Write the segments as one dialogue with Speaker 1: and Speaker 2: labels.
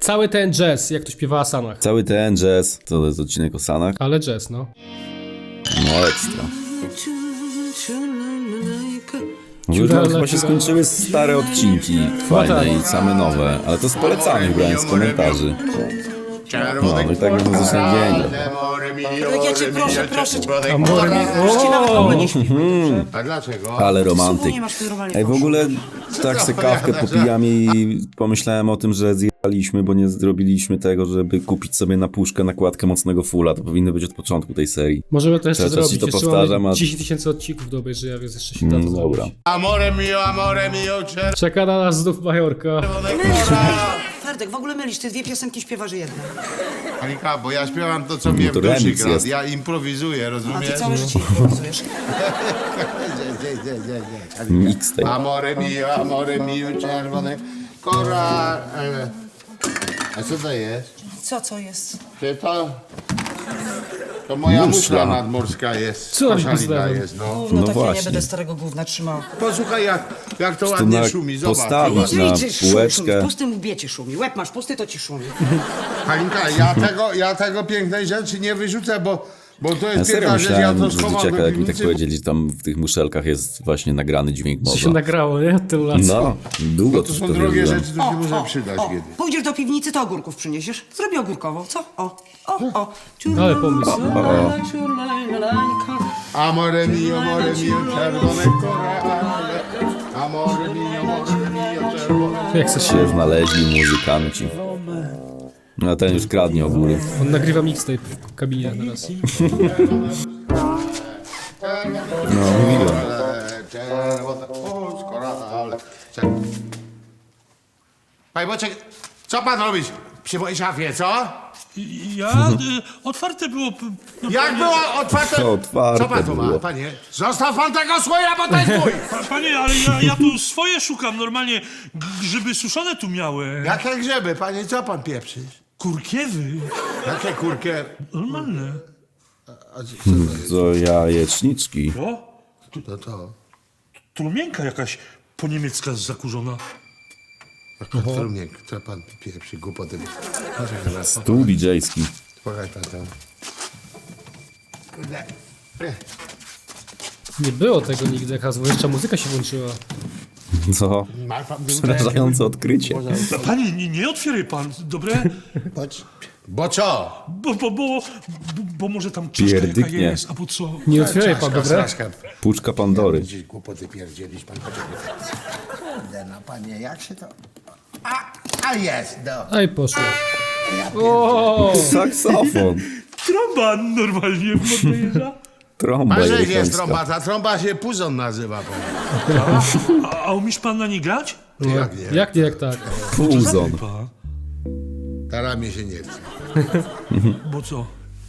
Speaker 1: Cały ten jazz, jak to śpiewa o Sanach.
Speaker 2: Cały ten jazz, to jest odcinek o Sanach.
Speaker 1: Ale jazz, no.
Speaker 2: No ekstra. W ogóle tam chyba się skończyły stare odcinki fajne i same nowe, ale to z polecanych brałem z komentarzy. No i tak można zacząć dzień.
Speaker 3: Jak ja cię proszę cię.
Speaker 1: Amore mi...
Speaker 4: A dlaczego?
Speaker 2: Ale romantyk.
Speaker 3: Nie masz tu normalnie
Speaker 2: Ej, w ogóle tak se kawkę popijam i pomyślałem o tym, że zjechaliśmy, bo nie zrobiliśmy tego, żeby kupić sobie na puszkę nakładkę mocnego fulla. To powinno być od początku tej serii.
Speaker 1: Możemy to jeszcze
Speaker 2: Cały czas
Speaker 1: zrobić.
Speaker 2: ci to
Speaker 1: Jeszcze
Speaker 2: powtarzam,
Speaker 1: mamy
Speaker 2: a-
Speaker 1: 10 000 odcinków do obejrzenia, więc jeszcze się da to
Speaker 2: Dobra.
Speaker 1: zrobić.
Speaker 4: Amore mio,
Speaker 1: Czeka na nas znów Majorka.
Speaker 3: Ferdek, w ogóle mylisz, ty dwie piosenki śpiewasz jedną.
Speaker 4: Halinka, bo ja śpiewam to, co mnie w
Speaker 2: to
Speaker 4: duszy
Speaker 2: remix
Speaker 4: gra.
Speaker 2: jest.
Speaker 4: Ja improwizuję,
Speaker 3: A
Speaker 4: rozumiesz?
Speaker 3: ty całe życie improwizujesz.
Speaker 2: Mixtape.
Speaker 4: Amore mio, czerwone kora... A co to jest?
Speaker 3: Co jest?
Speaker 4: Czy to... To moja
Speaker 2: Muszla.
Speaker 4: muszla nadmorska jest.
Speaker 1: Co robi
Speaker 4: Koszalina
Speaker 1: pozdrawem?
Speaker 4: jest, no.
Speaker 3: Gówno
Speaker 2: No
Speaker 3: takie, nie
Speaker 2: właśnie.
Speaker 3: będę starego gówna trzymał.
Speaker 4: Posłuchaj, jak to
Speaker 2: Tu
Speaker 4: ładnie
Speaker 2: na
Speaker 4: szumi, zobacz.
Speaker 2: postawić
Speaker 4: zobacz.
Speaker 2: na
Speaker 3: Idź, szumi,
Speaker 2: półeczkę.
Speaker 3: w pustym łbie ci szumi. Łeb masz pusty, to ci szumi.
Speaker 4: Halinka, ja tego pięknej rzeczy nie wyrzucę, bo to
Speaker 2: Ja
Speaker 4: jest
Speaker 2: serio
Speaker 4: piękna rzecz, ja
Speaker 2: myślałem,
Speaker 4: to
Speaker 2: że
Speaker 4: schowam
Speaker 2: dzieciaka,
Speaker 4: do
Speaker 2: jak mi tak
Speaker 4: piwnicy.
Speaker 2: powiedzieli, że tam w tych muszelkach jest właśnie nagrany dźwięk
Speaker 1: Co się
Speaker 2: morza.
Speaker 1: nagrało, nie? Od tylu lat.
Speaker 2: No, długo
Speaker 4: To są
Speaker 2: to
Speaker 4: drogie
Speaker 2: wierzyłem.
Speaker 4: rzeczy, to się może przydać kiedy.
Speaker 3: Pójdziesz do piwnicy, to ogórków przyniesiesz. Zrobię ogórkową, co? O.
Speaker 1: Ale pomysł.
Speaker 4: Amore mio, czerwone korale. Amore mio, czerwone.
Speaker 1: Jak se się...
Speaker 2: Się znaleźli muzykanci. No a ten już kradnie ogóry.
Speaker 1: On nagrywa mixtape w kabinie teraz.
Speaker 2: No, mówiłem.
Speaker 4: Czerwone, korale. Panie Boczek, co pan robić przy mojej szafie, co?
Speaker 5: Ja? Otwarte było...
Speaker 4: Jak było otwarte?
Speaker 2: To otwarte
Speaker 4: Co pan tu ma,
Speaker 2: było.
Speaker 4: panie? Zostaw pan tego słoja, bo to jest mój!
Speaker 5: Panie, ale ja tu swoje szukam normalnie. Grzyby suszone tu miałem.
Speaker 4: Jakie grzyby, panie, co pan pieprzysz?
Speaker 5: Kurkiewy.
Speaker 4: Jakie kurkę?
Speaker 5: Normalne.
Speaker 4: A co to jest?
Speaker 2: To jajeczniczki.
Speaker 5: O,
Speaker 4: To.
Speaker 5: trumienka jakaś po niemiecka zakurzona.
Speaker 4: Jaka strumienka, co pan pieprzy, głupoty. Poczekaj na to.
Speaker 2: Stół DJ-ski.
Speaker 4: Pokaż pan to. Kurde.
Speaker 1: Nie było tego nigdy, jaka jeszcze muzyka się włączyła.
Speaker 2: Co?
Speaker 4: Ma pan
Speaker 2: Przerażające odkrycie.
Speaker 5: Panie, nie otwieraj pan, dobre?
Speaker 4: Bo co?
Speaker 5: Bo może tam czaszka jaka
Speaker 2: Pierdyknie.
Speaker 5: jest, albo co?
Speaker 1: Nie otwieraj pan, dobra?
Speaker 4: Straszka.
Speaker 2: Puczka Pandory.
Speaker 4: Gdzieś głupoty pierdzielisz, pan poczekaj. Kurde, no panie, jak się to... A jest, no.
Speaker 1: Aj, poszło. O,
Speaker 2: Saksofon.
Speaker 5: Trąba normalnie podjeżdża.
Speaker 2: Trąba
Speaker 4: Pan że jest
Speaker 2: jerychońska.
Speaker 4: trąba, ta trąba się puzon nazywa, panie.
Speaker 5: A umiesz pan na nie grać?
Speaker 4: Jak nie?
Speaker 1: jak nie, jak tak.
Speaker 2: Puzon.
Speaker 5: Pa.
Speaker 4: Teraz mi się nie chce.
Speaker 5: Bo co?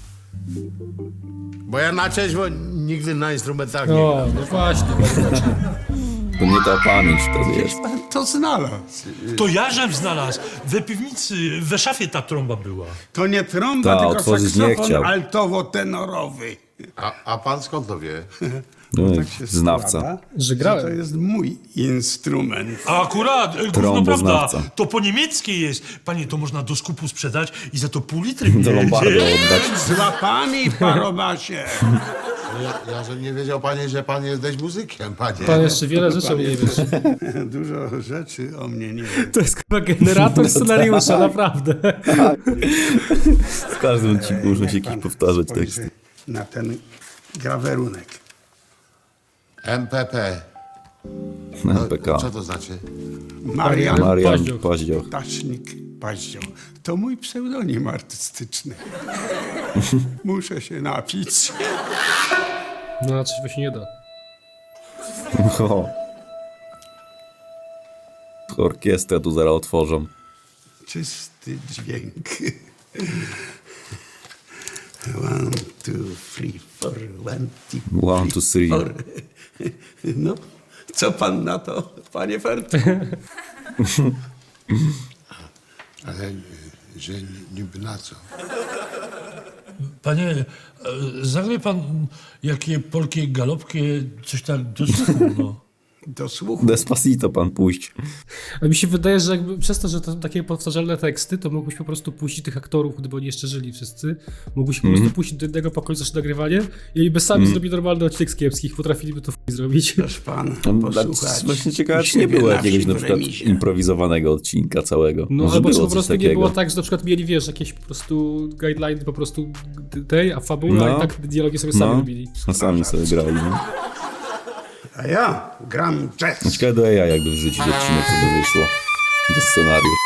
Speaker 4: Bo ja na trzeźwo nigdy na instrumentach nie
Speaker 1: O,
Speaker 4: gram.
Speaker 1: no właśnie.
Speaker 2: To nie ta pamięć wtedy jest.
Speaker 6: To znalazł.
Speaker 5: To ja żem znalazł. We piwnicy, we szafie ta trąba była.
Speaker 6: To nie trąba,
Speaker 2: Ta,
Speaker 6: tylko
Speaker 2: otworzyć nie
Speaker 6: saksofon
Speaker 2: chciał.
Speaker 6: altowo-tenorowy.
Speaker 4: A pan skąd to wie?
Speaker 2: No,
Speaker 6: Tak się
Speaker 2: znawca.
Speaker 6: składa,
Speaker 1: Że grałem.
Speaker 6: To jest mój instrument.
Speaker 5: A akurat, gówno
Speaker 2: Trąboznawca.
Speaker 5: prawda, to po niemieckie jest. Panie, to można do skupu sprzedać i za to pół litry
Speaker 2: Do
Speaker 5: bierdzie.
Speaker 2: Lombardo oddać.
Speaker 6: Z łapami, parobasie.
Speaker 4: Ja że nie wiedział panie, że pan jesteś muzykiem, panie.
Speaker 1: Pan jeszcze wiele rzeczy o mnie nie wiesz.
Speaker 6: Dużo rzeczy o mnie nie wie.
Speaker 1: To jest chyba generator scenariusza, naprawdę.
Speaker 2: W każdym odcinku muszą się jakieś powtarzać
Speaker 6: Spojrzy
Speaker 2: teksty.
Speaker 6: na ten grawerunek.
Speaker 4: MPP.
Speaker 2: MPK.
Speaker 4: Co to znaczy?
Speaker 6: Marian
Speaker 2: Marian
Speaker 1: Paździoch.
Speaker 2: Paździoch.
Speaker 6: Ptasznik Paździoch. To mój pseudonim artystyczny. Muszę się napić.
Speaker 1: No, na trzeźwo się nie da.
Speaker 2: O. Orkiestrę tu zaraz otworzą.
Speaker 6: Czysty dźwięk. 1, 2, 3, 4, 1, 2,
Speaker 2: 1, 2, 3.
Speaker 6: No, co pan na to, panie Fert?
Speaker 4: Ale że niby na co?
Speaker 5: Panie, zagraj pan jakie polkie galopkie, coś tak do słuchu, no.
Speaker 6: do słuchu.
Speaker 2: Despacito pan puść.
Speaker 1: A mi się wydaje, że jakby przez to, że to są takie powtarzalne teksty, to mógłbyś po prostu puścić tych aktorów, gdyby oni jeszcze żyli wszyscy. Mógłbyś po prostu puścić do jednego pokoju, zacząć nagrywanie i by sami zrobili normalny odcinek z kiepskich. Potrafiliby to zrobić.
Speaker 6: Proszę pan, posłuchać.
Speaker 2: Właśnie ciekawe,
Speaker 6: u
Speaker 2: czy nie
Speaker 6: siebie
Speaker 2: było
Speaker 6: na
Speaker 2: jakiegoś
Speaker 6: wsi
Speaker 2: na
Speaker 6: w
Speaker 2: przykład
Speaker 6: remizie.
Speaker 2: improwizowanego odcinka całego.
Speaker 1: No
Speaker 2: Może
Speaker 1: albo czy
Speaker 2: było
Speaker 1: po
Speaker 2: coś
Speaker 1: prostu nie
Speaker 2: takiego.
Speaker 1: było tak, że na przykład mieli, wiesz, jakieś po prostu guideline po prostu tej, a fabula
Speaker 2: No.
Speaker 1: i tak dialogi sobie sami robili.
Speaker 2: No sami sobie grali, no.
Speaker 6: A ja gram jazz.
Speaker 2: Ciekawe do AI jakby wrzucić odcinek, co by wyszło. To scenariusz.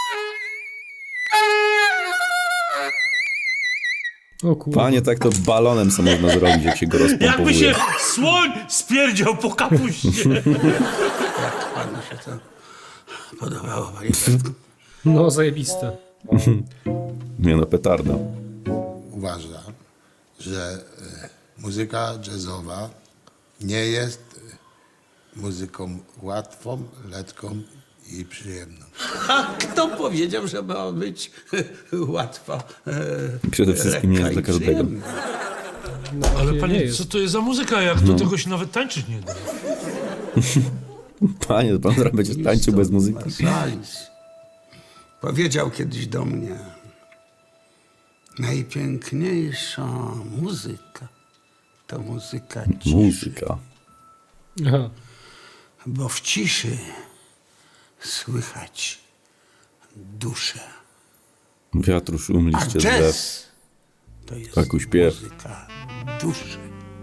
Speaker 1: O kurwa.
Speaker 2: Panie, tak to balonem co można zrobić, jak się go
Speaker 5: Jakby
Speaker 2: rozpompowuje.
Speaker 5: się słoń spierdział po kapuście.
Speaker 6: Panu się to podobało, panie Fertku?
Speaker 1: No, zajebiste.
Speaker 2: Nie no, petarda.
Speaker 4: Uważam, że muzyka jazzowa nie jest muzyką łatwą, lekką i przyjemną.
Speaker 6: A kto powiedział, że ma być łatwa?
Speaker 2: Przede wszystkim nie jest dla
Speaker 6: lekka i
Speaker 2: każdego.
Speaker 6: przyjemna?
Speaker 5: Ale
Speaker 1: nie
Speaker 5: panie,
Speaker 1: jest.
Speaker 5: co to jest za muzyka, jak do tego się nawet tańczyć nie da?
Speaker 2: Panie, to pan zaraz będzie tańczył bez muzyki.
Speaker 6: Marsalis powiedział kiedyś do mnie: najpiękniejsza muzyka to muzyka ciszy,
Speaker 2: Muzyka.
Speaker 1: Aha.
Speaker 6: bo w ciszy słychać duszę.
Speaker 2: Wiatru szum,
Speaker 6: A
Speaker 2: liście z drzew.
Speaker 6: jazz to jest
Speaker 2: Taku śpiew.
Speaker 6: muzyka duszy.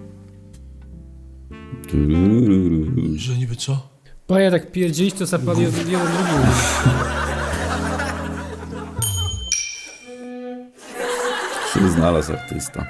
Speaker 2: Turururu.
Speaker 5: Że niby co?
Speaker 1: Panie, tak pierdzielić, to za pan jeden drugi.
Speaker 2: Się znalazł artysta.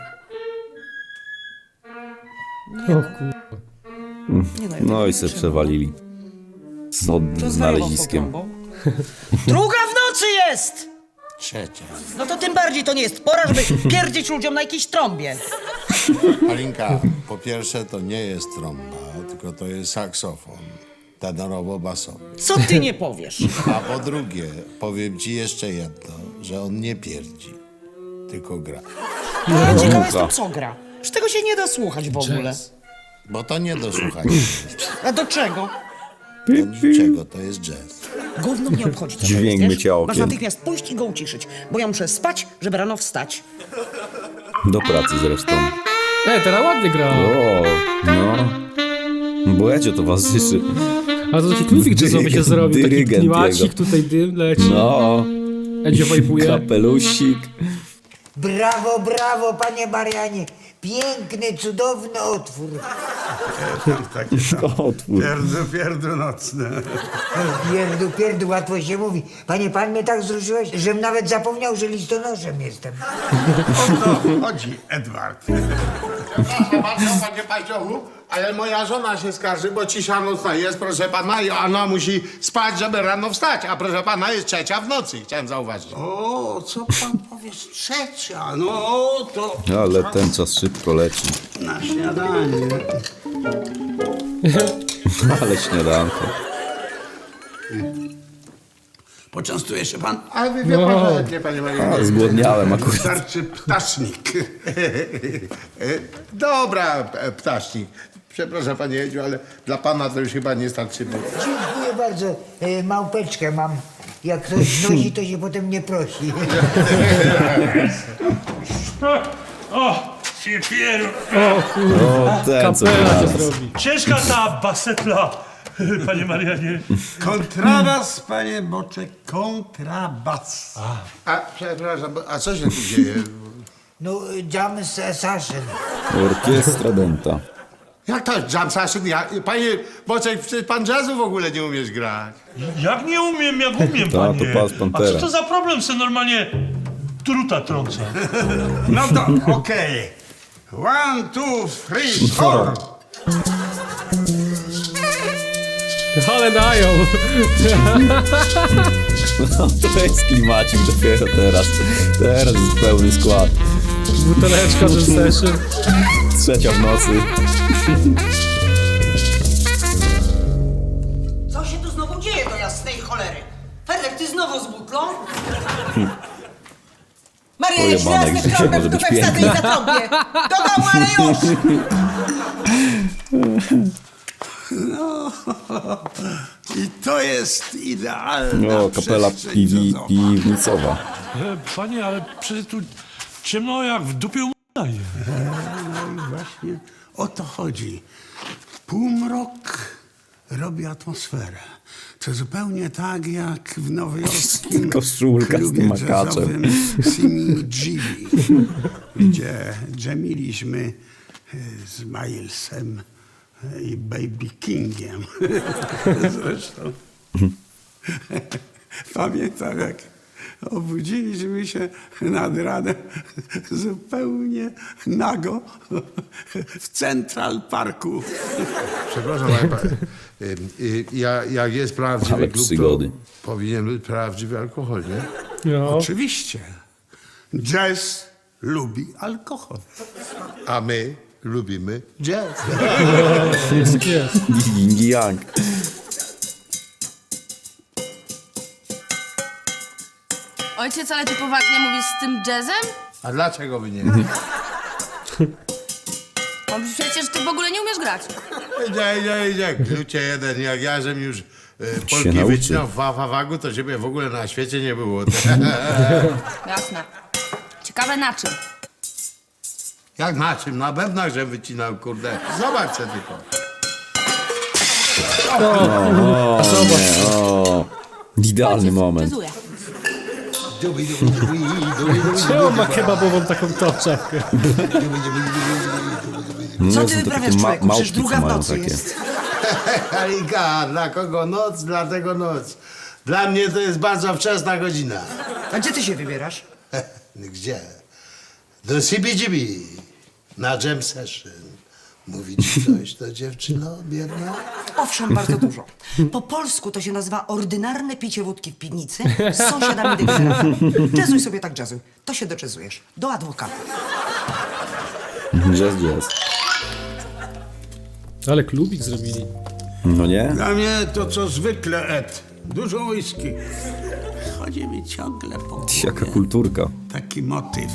Speaker 1: O kurwa.
Speaker 2: No i se przewalili. Z znaleziskiem.
Speaker 3: Druga w nocy jest!
Speaker 4: Trzecia.
Speaker 3: No to tym bardziej to nie jest pora, żeby pierdzieć ludziom na jakiejś trąbie.
Speaker 4: Alinka, po pierwsze to nie jest trąba, tylko to jest saksofon tenorowo-basowy.
Speaker 3: Co ty nie powiesz?
Speaker 4: A po drugie, powiem ci jeszcze jedno, że on nie pierdzi, tylko gra.
Speaker 3: A ciekawa
Speaker 2: Mucha.
Speaker 3: jestem, co gra. Z tego się nie da słuchać w ogóle.
Speaker 1: Jazz.
Speaker 4: Bo to nie do słuchania jest.
Speaker 3: A do czego?
Speaker 4: Do niczego, to jest jazz.
Speaker 3: Gówno mnie obchodzi, co to
Speaker 2: Dźwięk
Speaker 3: jest, wiesz?
Speaker 2: mycia okien.
Speaker 3: Masz natychmiast pójść i go uciszyć, bo ja muszę spać, żeby rano wstać.
Speaker 2: Do pracy zresztą.
Speaker 1: Teraz ładnie gra.
Speaker 2: O, no. Błędzie towarzyszy.
Speaker 1: A to taki klubik jazzowy się zrobił, taki
Speaker 2: Dyrygent
Speaker 1: klimacik,
Speaker 2: jego.
Speaker 1: tutaj dym leci.
Speaker 2: No,
Speaker 1: Edzio wajpuje.
Speaker 2: kapelusik.
Speaker 7: Brawo, brawo, panie Marianie. Piękny, cudowny otwór.
Speaker 6: Takie
Speaker 2: Otwór.
Speaker 6: pierdu nocne.
Speaker 7: Pierdu, pierdu, łatwo się mówi. Panie, pan mnie tak wzruszyłeś, żem nawet zapomniał, że listonoszem jestem.
Speaker 6: O to chodzi, Edward.
Speaker 4: Przepraszam bardzo, panie Paździochu, ale moja żona się skarży, bo cisza nocna jest, proszę pana, i ona musi spać, żeby rano wstać, a proszę pana jest 3:00 w nocy, chciałem zauważyć.
Speaker 6: O, co pan powiesz, trzecia? No to
Speaker 2: Ale ten czas szybko leci.
Speaker 6: na śniadanie.
Speaker 2: Ale śniadanko.
Speaker 6: Poczęstuje się pan?
Speaker 4: Ale wie pan, że nie, panie Mariusz.
Speaker 2: A, zgłodniałem akurat.
Speaker 6: Wystarczy ptasznik.
Speaker 4: Dobra, ptasznik. Przepraszam, panie Jedziu, ale dla pana to już chyba nie starczy. Bo...
Speaker 7: Dziękuję bardzo. Małpeczkę mam. Jak ktoś nosi, to się potem nie prosi.
Speaker 5: O, się pieru.
Speaker 2: O, ten co
Speaker 1: Kapela się
Speaker 2: teraz.
Speaker 1: zrobi.
Speaker 5: Ciężka ta basetla, panie Marianie.
Speaker 6: Kontrabas, panie Boczek, kontrabas.
Speaker 4: A, przepraszam, a co się tu dzieje?
Speaker 7: No, jam session.
Speaker 2: Orkiestra denta.
Speaker 4: Jak to jam session? Panie Boczek, przecież pan jazzu w ogóle nie umiesz grać.
Speaker 5: Jak nie umiem, jak umiem,
Speaker 2: Ta,
Speaker 5: panie.
Speaker 2: to pas
Speaker 5: A
Speaker 2: Pantera.
Speaker 5: co to za problem, se normalnie truta trąca?
Speaker 6: No to okej. 1, 2, 3, 4.
Speaker 1: Ale dają.
Speaker 2: No, to jest klimacik dopiero teraz. Teraz jest pełny skład.
Speaker 1: Buteleczka, ten session.
Speaker 2: 3:00 w nocy.
Speaker 3: Co się tu znowu dzieje do jasnej cholery? Fedek, ty znowu z butlą? Maria, jeśli
Speaker 2: Pojebanek,
Speaker 3: raz
Speaker 2: że
Speaker 3: nie
Speaker 2: dzisiaj
Speaker 3: trąbę
Speaker 2: może
Speaker 3: w
Speaker 2: być
Speaker 3: dupę wsadzę i
Speaker 2: piękne.
Speaker 3: zatrąbię. Do domu, ale już!
Speaker 6: No, i to jest idealna
Speaker 2: O, kapela
Speaker 6: przestrzeń czasowa.
Speaker 2: piwnicowa.
Speaker 5: Panie, ale przecież tu ciemno jak w dupie u daje.
Speaker 6: No i właśnie o to chodzi. Półmrok robi atmosferę. To zupełnie tak jak w nowojorskim
Speaker 2: Koszulka z
Speaker 6: klubie
Speaker 2: tym makaczem.
Speaker 6: jazzowym Simi Gibi, gdzie dżemiliśmy z Milesem i Baby Kingiem. Zresztą pamiętam, jak obudziliśmy się nad ranem zupełnie nago w Central Parku.
Speaker 4: Przepraszam, jak jest prawdziwy
Speaker 2: Ale
Speaker 4: klub,
Speaker 2: przygody.
Speaker 4: to powinien być prawdziwy alkohol, nie?
Speaker 1: No.
Speaker 6: Oczywiście. Jazz lubi alkohol.
Speaker 4: A my lubimy jazz.
Speaker 1: Jest jak jest.
Speaker 2: Ying i yang.
Speaker 8: Ojciec, ale ty poważnie mówisz z tym jazzem?
Speaker 4: A dlaczego by nie?
Speaker 8: No przecież ty w ogóle nie umiesz grać.
Speaker 4: Idzie. Klucie jeden, jak ja żem już Polki
Speaker 2: nauczy.
Speaker 4: wycinał w wawagu, to ciebie w ogóle na świecie nie było.
Speaker 8: Jasne. Ciekawe na czym.
Speaker 4: Jak na czym? Na bębnach, że wycinał, kurde. Zobacz se tylko.
Speaker 2: O, idealny moment.
Speaker 8: Jazzuję.
Speaker 1: Czemu ma kebabową taką czapkę?
Speaker 3: Co
Speaker 2: No,
Speaker 3: ty
Speaker 2: to
Speaker 3: wyprawiasz,
Speaker 2: takie
Speaker 3: człowieku? Przecież
Speaker 2: małpki,
Speaker 3: druga
Speaker 2: co
Speaker 3: w
Speaker 2: mają
Speaker 3: nocy
Speaker 2: takie.
Speaker 3: jest.
Speaker 4: Halika, dla kogo noc, dlatego noc. Dla mnie to jest bardzo wczesna godzina.
Speaker 3: A gdzie ty się wybierasz?
Speaker 4: Gdzie? Do CBGB. Na jam session. Mówi ci coś, to dziewczyno biedna?
Speaker 3: Owszem, bardzo dużo. Po polsku to się nazywa ordynarne picie wódki w piwnicy z sąsiadami degeneratami. Jazzuj sobie tak jazzuj. To się doczezujesz. Do adwokata.
Speaker 2: Jazz.
Speaker 1: Ale klubik zrobili.
Speaker 2: No nie?
Speaker 6: Dla mnie to co zwykle, Ed. Dużo whisky. Chodzi mi ciągle po
Speaker 2: Jaka
Speaker 6: głowie
Speaker 2: kulturka.
Speaker 6: taki motyw.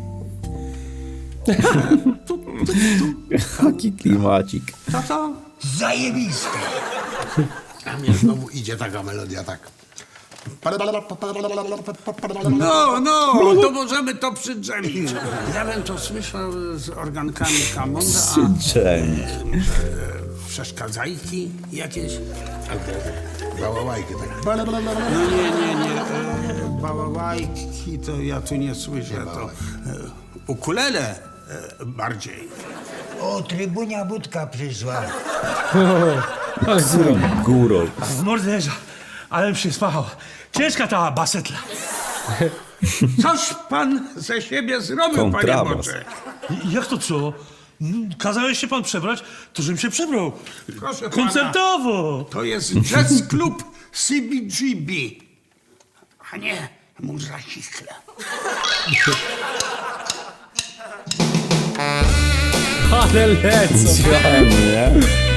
Speaker 2: Jaki klimacik.
Speaker 6: To?
Speaker 7: Zajebiste.
Speaker 4: A mnie znowu idzie taka melodia, tak.
Speaker 6: No, to możemy to przydrzemić. Ja bym to słyszał z organkami Kammonda, a
Speaker 2: Dżem.
Speaker 6: przeszkadzajki jakieś.
Speaker 4: Bałałajki, tak.
Speaker 6: No nie. Bałałajki to ja tu nie słyszę. To ukulele bardziej.
Speaker 7: O, trybunia budka przyszła.
Speaker 1: Ale góra.
Speaker 2: Górol.
Speaker 5: W morderza, ale się spachał. Ciężka ta basetla.
Speaker 6: Coś pan ze siebie zrobił, panie
Speaker 2: Kontrabas.
Speaker 6: Boczek.
Speaker 5: Jak to co? Kazałeś się pan przebrać, to żebym się przebrał.
Speaker 6: Proszę pana.
Speaker 5: Koncertowo.
Speaker 6: To jest jazz klub CBGB, a nie muza chichla.
Speaker 1: Ale lecą.
Speaker 2: Dżem, nie?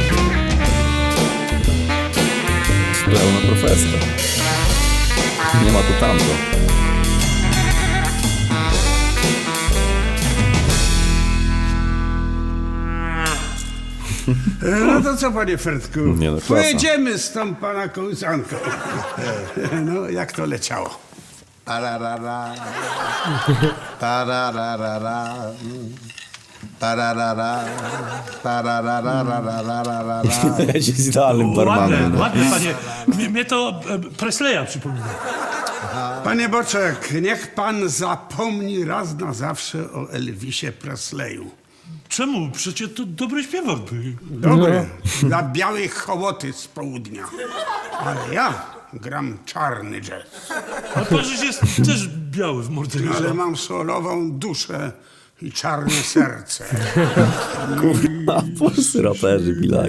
Speaker 2: Pełna profeska. Nie ma tu tamto.
Speaker 6: No to co, panie Fertku?
Speaker 2: Nie no, klasa.
Speaker 6: Pojedziemy z tą pana kołysanką. No, jak to leciało?
Speaker 4: Tararara. Tararara. Tararara. Tararara.
Speaker 2: Jest idealnym barmanem.
Speaker 5: Ładne, panie. Mnie to Presleya przypomina.
Speaker 6: Panie Boczek, niech pan zapomni raz na zawsze o Elvisie Presleyu.
Speaker 5: Czemu? Przecież to dobry śpiewak był.
Speaker 6: Dobry, dla białej hołoty z południa. Ale ja gram czarny jazz.
Speaker 5: Ale pan żeś jest też biały w morderze.
Speaker 6: Ale mam solową duszę i czarne serce.
Speaker 2: A polscy raperzy, bilak.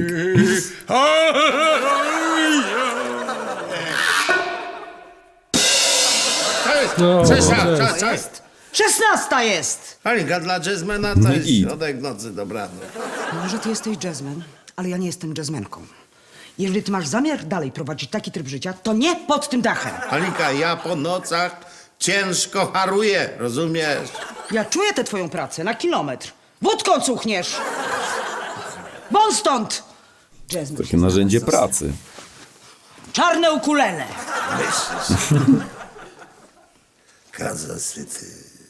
Speaker 1: No,
Speaker 4: Cześć.
Speaker 3: 16 jest!
Speaker 4: Halinka, dla jazzmena
Speaker 2: No
Speaker 4: to jest
Speaker 2: i-
Speaker 4: środek nocy, dobranoc.
Speaker 3: Może ty jesteś jazzman, ale ja nie jestem jazzmenką. Jeżeli ty masz zamiar dalej prowadzić taki tryb życia, to nie pod tym dachem.
Speaker 4: Halinka, ja po nocach ciężko haruję, rozumiesz?
Speaker 3: Ja czuję tę twoją pracę na kilometr. Wódką cuchniesz! Won stąd! Jazz mi
Speaker 2: Takie
Speaker 3: się
Speaker 2: narzędzie
Speaker 3: znalazł.
Speaker 2: pracy.
Speaker 3: Czarne ukulele.
Speaker 6: Kazasyty.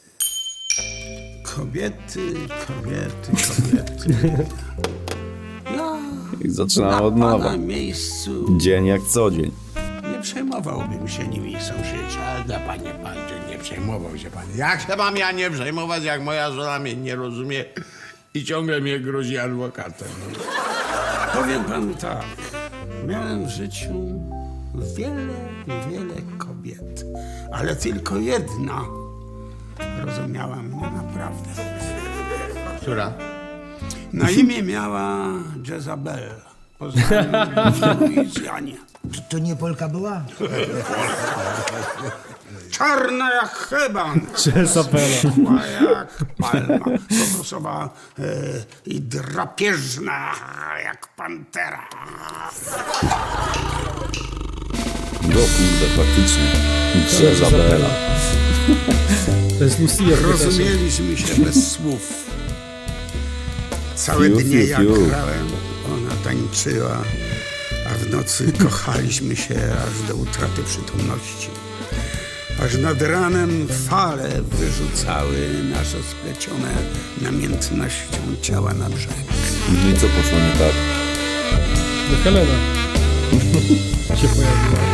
Speaker 6: Kobiety, kobiety, kobiety. Ja
Speaker 2: I zaczynamy od
Speaker 6: na
Speaker 2: nowa.
Speaker 6: pana miejscu
Speaker 2: Dzień jak co dzień.
Speaker 6: nie przejmowałbym się nimi sąsiedzi.
Speaker 4: Ale panie Pandzie, nie przejmował się pan. Jak się mam ja nie przejmować, jak moja żona mnie nie rozumie i ciągle mnie grozi adwokatem.
Speaker 6: Powiem panu tak. Miałem w życiu wiele, wiele kobiet, ale tylko jedna rozumiała mnie naprawdę.
Speaker 4: Która?
Speaker 6: Na imię miała Jezabel. Poznałem ją w Luizjanie.
Speaker 7: To nie Polka była?
Speaker 6: Czarna jak heban.
Speaker 1: Jezabela.
Speaker 6: Szła jak palma. Kokosowa i drapieżna jak pantera.
Speaker 2: No kurde, faktycznie. Jezabela.
Speaker 1: To jest Lucia.
Speaker 6: Rozumieliśmy się bez słów. Całe
Speaker 2: Fiu,
Speaker 6: dnie
Speaker 2: fiu,
Speaker 6: jak
Speaker 2: fiu.
Speaker 6: grałem, ona tańczyła, a w nocy kochaliśmy się aż do utraty przytomności. Aż nad ranem fale wyrzucały nasze splecione namiętnością ciała na brzeg.
Speaker 2: No i co poszło nie tak?
Speaker 1: No Helena się pojawiła.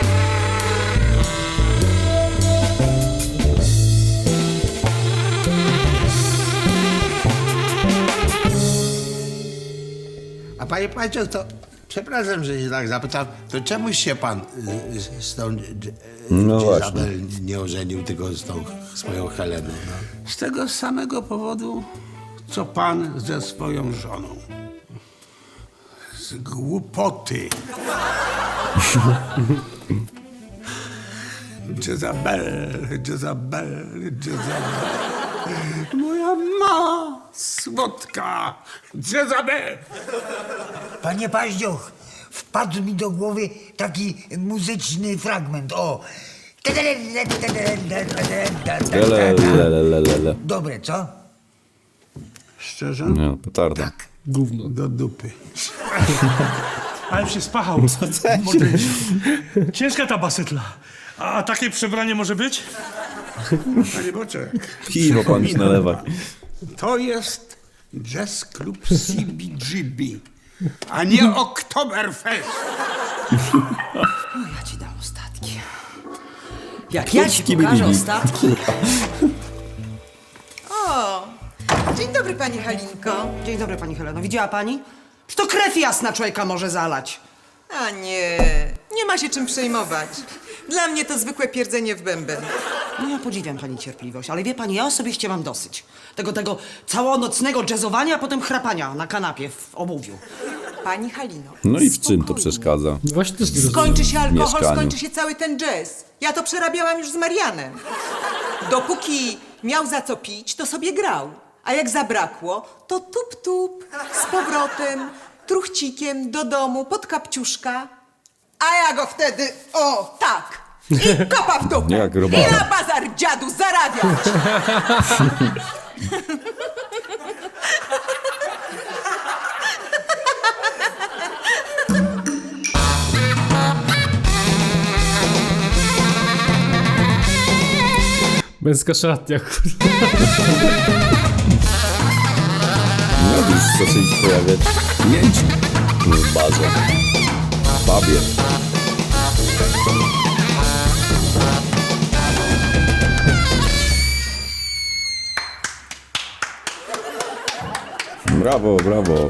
Speaker 4: A panie Pacio, to przepraszam, że się tak zapytam, to czemuś się pan z tą
Speaker 2: No
Speaker 4: Jezabel nie ożenił, tylko z tą swoją Heleną? No.
Speaker 6: Z tego samego powodu, co pan ze swoją żoną. Z głupoty. Jezabel, Jezabel, Jezabel. Moja mała, słodka Jezabel.
Speaker 7: Panie Paździoch, wpadł mi do głowy taki muzyczny fragment. O!
Speaker 2: Lelelelelele.
Speaker 7: Dobre, co?
Speaker 6: Szczerze?
Speaker 2: Nie, petarda.
Speaker 1: Gówno.
Speaker 6: Do dupy.
Speaker 5: Ale się spachał. Mordęsiu. Ciężka ta basetla. A takie przebranie może być?
Speaker 6: Panie Boczek,
Speaker 2: Piwo pan już nalewa.
Speaker 6: to jest Jazz Club CBGB, a nie Oktoberfest.
Speaker 3: Ja ci dam ostatki. Jak ja ci pokażę ostatki.
Speaker 9: O, dzień dobry pani Halinko.
Speaker 3: Dzień dobry, pani Heleno. Widziała pani? Czy to krew jasna człowieka może zalać?
Speaker 9: A nie, nie ma się czym przejmować. Dla mnie to zwykłe pierdzenie w bęben.
Speaker 3: No ja podziwiam pani cierpliwość, ale wie pani, ja osobiście mam dosyć. Tego całonocnego jazzowania, a potem chrapania na kanapie w obuwiu.
Speaker 9: Pani Halino.
Speaker 2: No i w czym to
Speaker 9: spokojnie.
Speaker 2: przeszkadza?
Speaker 1: No właśnie też nie rozumiem.
Speaker 9: Skończy się alkohol,
Speaker 2: mieszkaniu.
Speaker 9: skończy się cały ten jazz. Ja to przerabiałam już z Marianem. Dopóki miał za co pić, to sobie grał. A jak zabrakło, to tup-tup, z powrotem, truchcikiem do domu, pod kapciuszka. A ja go wtedy, o tak, i kopa w dupę.
Speaker 2: Jak robala.
Speaker 9: I na bazar dziadu zarabiać.
Speaker 1: Męska szatnia, kurde.
Speaker 2: No już zaczęli się pojawiać klienci w barze, w pubie. Brawo, brawo.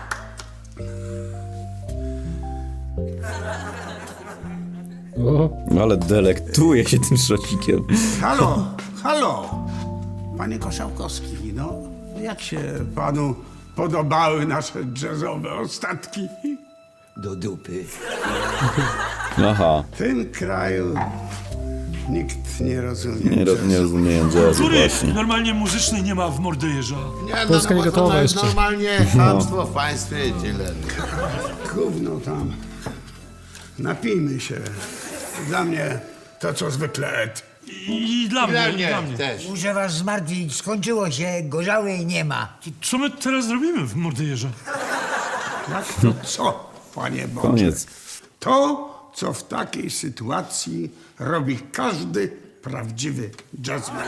Speaker 1: O,
Speaker 2: Ale delektuje się tym szocikiem.
Speaker 6: Halo, halo. Panie Koszałkowski, no jak się panu podobały nasze jazzowe ostatki?
Speaker 7: Do dupy.
Speaker 2: Aha,
Speaker 6: W tym kraju nikt nie rozumie
Speaker 2: nie rozumieją jazzu
Speaker 5: Który
Speaker 2: właśnie.
Speaker 5: normalnie muzyczny nie ma w Mordejerza.
Speaker 4: Nie,
Speaker 1: Polska nie
Speaker 4: bo
Speaker 1: gotowa
Speaker 4: to jest
Speaker 1: jeszcze.
Speaker 4: normalnie chamstwo w państwie i tyle.
Speaker 6: Gówno tam. Napijmy się. Dla mnie to co zwykle Ed.
Speaker 5: I dla
Speaker 4: Dla
Speaker 5: mnie, i dla
Speaker 4: mnie
Speaker 5: mnie.
Speaker 4: też.
Speaker 7: Muszę was zmartwić, skończyło się, gorzałej nie ma.
Speaker 5: Co my teraz zrobimy w Mordejerze?
Speaker 6: Jak to co? Panie Boże.
Speaker 2: Koniec.
Speaker 6: To, co w takiej sytuacji robi każdy prawdziwy jazzman.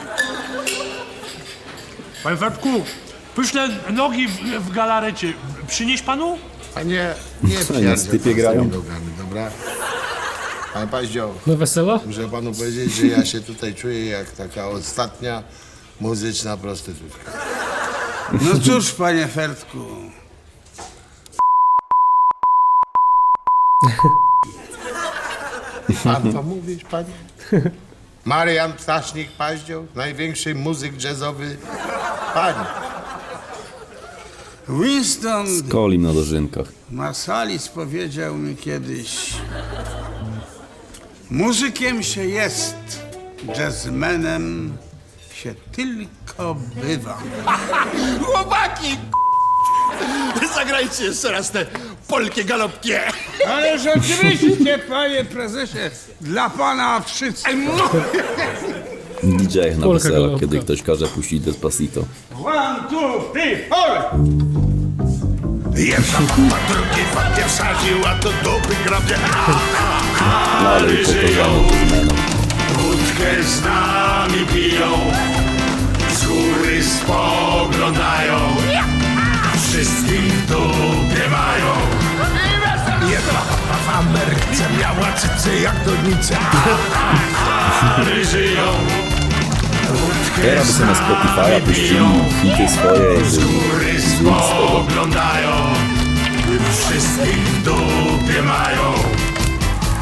Speaker 5: Panie Fertku, pyszne nogi w galarecie. Przynieść panu?
Speaker 4: Panie, nie
Speaker 2: Co,
Speaker 4: pierdziel
Speaker 2: na stypie
Speaker 4: pan z
Speaker 2: grają?
Speaker 4: tymi nogami, dobra? Panie Paździoł,
Speaker 1: Na wesela?
Speaker 4: muszę panu powiedzieć, że ja się tutaj czuję jak taka ostatnia muzyczna prostytutka.
Speaker 6: No cóż, panie Fertku,
Speaker 4: Pan to mówisz, panie? Marian Ptasznik Paździoł, największy muzyk jazzowy. Panie,
Speaker 6: Winston
Speaker 2: Kolim na dożynkach.
Speaker 6: Marsalis powiedział mi kiedyś: muzykiem się jest, jazzmenem się tylko bywa.
Speaker 10: Chłopaki! Zagrajcie jeszcze raz te polkie galopkie.
Speaker 6: Ale rzeczywiście, panie prezesie, dla pana wszystko.
Speaker 2: DJ na
Speaker 1: Polka
Speaker 2: weselach,
Speaker 1: galopka.
Speaker 2: kiedy ktoś każe puścić Despacito.
Speaker 6: 1, 2, 3, 4!
Speaker 10: Jedna papa, drugi papie wsadził, a to dupy grabie.
Speaker 2: No ale upokorzony to zmianą.
Speaker 10: Wódkę z nami piją, z góry spoglądają, wszystkich w dupie mają. Jedna papa w Ameryce miała cycy jak donice, żyją.
Speaker 2: Teraz by sobie na Spotify'a puścili hity swoje.
Speaker 10: Z góry spoglądają, wszystkich w dupie mają.